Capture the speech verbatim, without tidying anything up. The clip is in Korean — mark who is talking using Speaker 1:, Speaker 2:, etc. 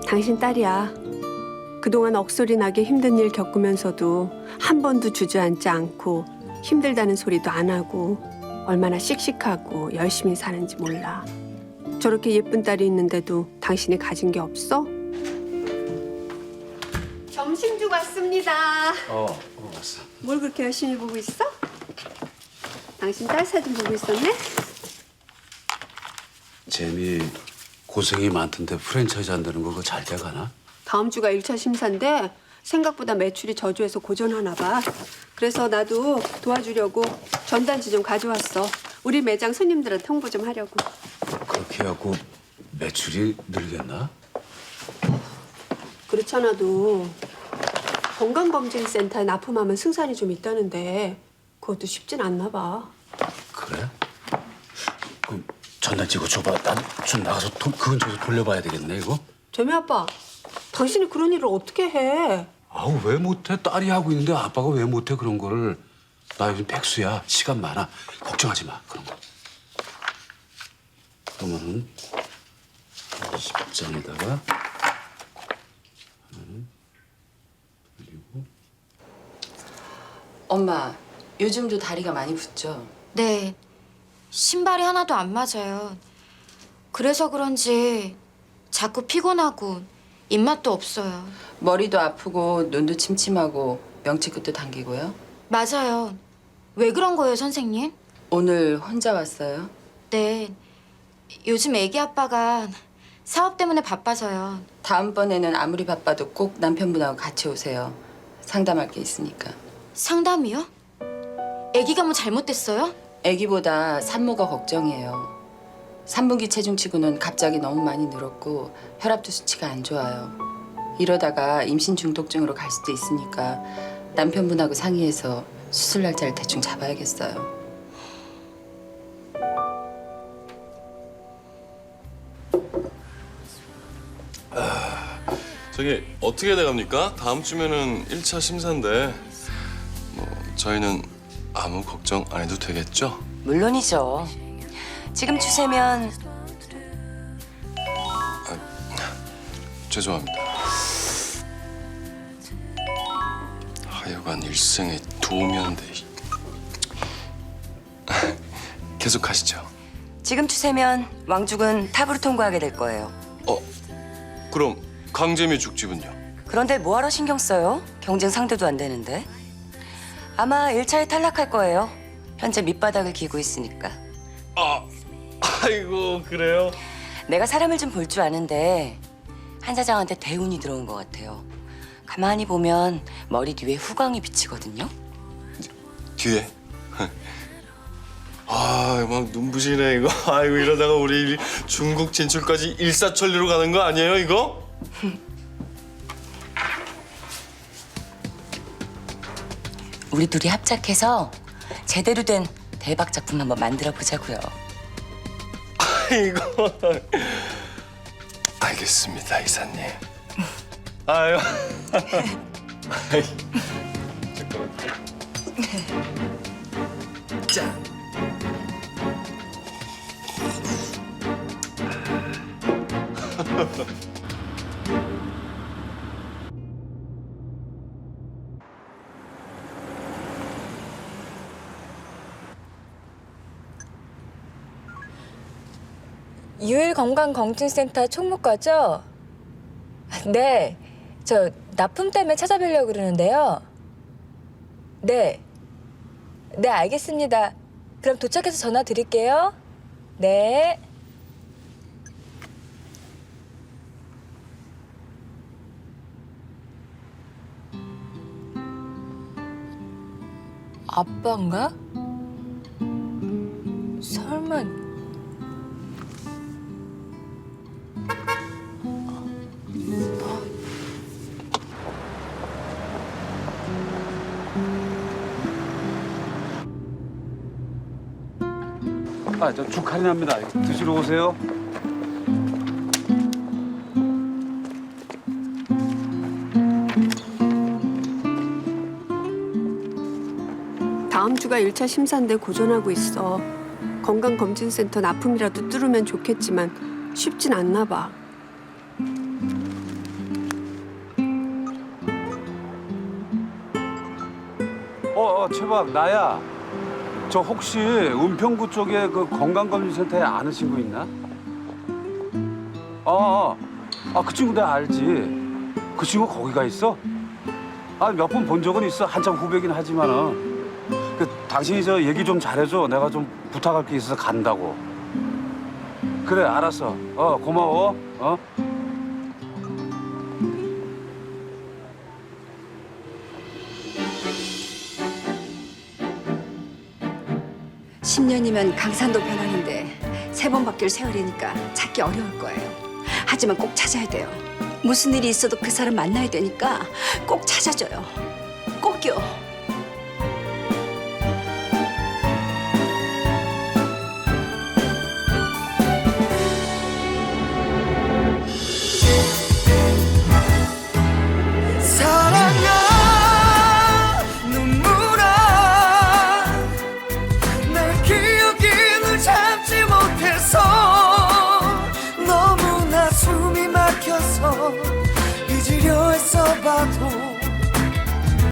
Speaker 1: 당신 딸이야. 그동안 억소리 나게 힘든 일 겪으면서도 한 번도 주저앉지 않고 힘들다는 소리도 안 하고 얼마나 씩씩하고 열심히 사는지 몰라. 저렇게 예쁜 딸이 있는데도 당신이 가진 게 없어? 점심 주고 왔습니다.
Speaker 2: 어, 어 왔어.
Speaker 1: 뭘 그렇게 열심히 보고 있어? 당신 딸 사진 보고 있었네?
Speaker 2: 재미 고생이 많던데 프랜차이즈 한다는 거 그거 잘 돼가나?
Speaker 1: 다음 주가 일 차 심사인데 생각보다 매출이 저조해서 고전하나 봐. 그래서 나도 도와주려고 전단지 좀 가져왔어. 우리 매장 손님들한테 홍보 좀 하려고.
Speaker 2: 그렇게 하고 매출이 늘겠나?
Speaker 1: 그렇잖아도 건강검진센터에 납품하면 승산이 좀 있다는데 그것도 쉽진 않나 봐.
Speaker 2: 그래? 그럼 전단 찍어 줘봐. 난 좀 나가서 돈, 그 근처에서 돌려봐야 되겠네 이거?
Speaker 1: 재미 아빠, 당신이 그런 일을 어떻게 해?
Speaker 2: 아우 왜 못해? 딸이 하고 있는데 아빠가 왜 못해 그런 거를. 나 요즘 백수야. 시간 많아. 걱정하지 마 그런 거. 그러면은 십 장에다가 그리고
Speaker 3: 엄마, 요즘도 다리가 많이 붓죠?
Speaker 4: 네, 신발이 하나도 안 맞아요. 그래서 그런지 자꾸 피곤하고 입맛도 없어요.
Speaker 3: 머리도 아프고 눈도 침침하고 명치끝도 당기고요?
Speaker 4: 맞아요. 왜 그런 거예요, 선생님?
Speaker 3: 오늘 혼자 왔어요?
Speaker 4: 네, 요즘 애기 아빠가 사업 때문에 바빠서요.
Speaker 3: 다음번에는 아무리 바빠도 꼭 남편분하고 같이 오세요. 상담할 게 있으니까.
Speaker 4: 상담이요? 애기가 뭐 잘못됐어요?
Speaker 3: 아기보다 산모가 걱정이에요. 삼분기 체중치고는 갑자기 너무 많이 늘었고 혈압도 수치가 안 좋아요. 이러다가 임신 중독증으로 갈 수도 있으니까 남편분하고 상의해서 수술 날짜를 대충 잡아야겠어요.
Speaker 5: 저기 어떻게 돼갑니까? 다음 주면은 일 차 심사인데 뭐 저희는 아무 걱정 안 해도 되겠죠?
Speaker 6: 물론이죠. 지금 추세면
Speaker 5: 죄송합니다. 하여간 일생에 도움이 안 돼. 계속 하시죠.
Speaker 6: 지금 추세면 왕죽은 탑으로 통과하게 될 거예요.
Speaker 5: 어, 그럼 강재미 죽집은요?
Speaker 6: 그런데 뭐하러 신경 써요? 경쟁 상대도 안 되는데. 아마 일 차에 탈락할 거예요. 현재 밑바닥을 기고 있으니까.
Speaker 5: 아, 아이고 그래요?
Speaker 6: 내가 사람을 좀 볼 줄 아는데 한 사장한테 대운이 들어온 것 같아요. 가만히 보면 머리 뒤에 후광이 비치거든요.
Speaker 5: 뒤에? 아, 막 눈부시네 이거. 아이고 이러다가 우리 중국 진출까지 일사천리로 가는 거 아니에요 이거?
Speaker 6: 우리 둘이 합작해서 제대로 된 대박 작품 한번 만들어 보자고요.
Speaker 5: 아이고. 알겠습니다 이사님. 아유. 아이, 잠깐만. 짠.
Speaker 7: 유일건강검진센터 총무과죠? 네, 저 납품 때문에 찾아뵈려고 그러는데요. 네, 네 알겠습니다. 그럼 도착해서 전화 드릴게요. 네. 아빠인가? 설마...
Speaker 8: 아, 저 죽 할인합니다. 드시러 오세요.
Speaker 1: 다음 주가 일 차 심사인데 고전하고 있어. 건강검진센터 납품이라도 뚫으면 좋겠지만 쉽진 않나 봐.
Speaker 8: 어, 어, 최박, 나야. 저 혹시 은평구 쪽에 그 건강검진센터에 아는 친구 있나? 어, 어. 아, 그 친구 내가 알지. 그 친구 거기 가 있어? 아, 몇 번 본 적은 있어. 한참 후배긴 하지만은. 그, 당신이 저 얘기 좀 잘해줘. 내가 좀 부탁할 게 있어서 간다고. 그래, 알았어. 어, 고마워. 어?
Speaker 9: 십 년이면 강산도 변하는데 세 번 바뀔 세월이니까 찾기 어려울 거예요. 하지만 꼭 찾아야 돼요. 무슨 일이 있어도 그 사람 만나야 되니까 꼭 찾아줘요. 꼭요.
Speaker 10: 사랑아 눈물아 내 기억이 널 참지 못해서 너무나 숨이 막혀서 잊으려 했어 봐도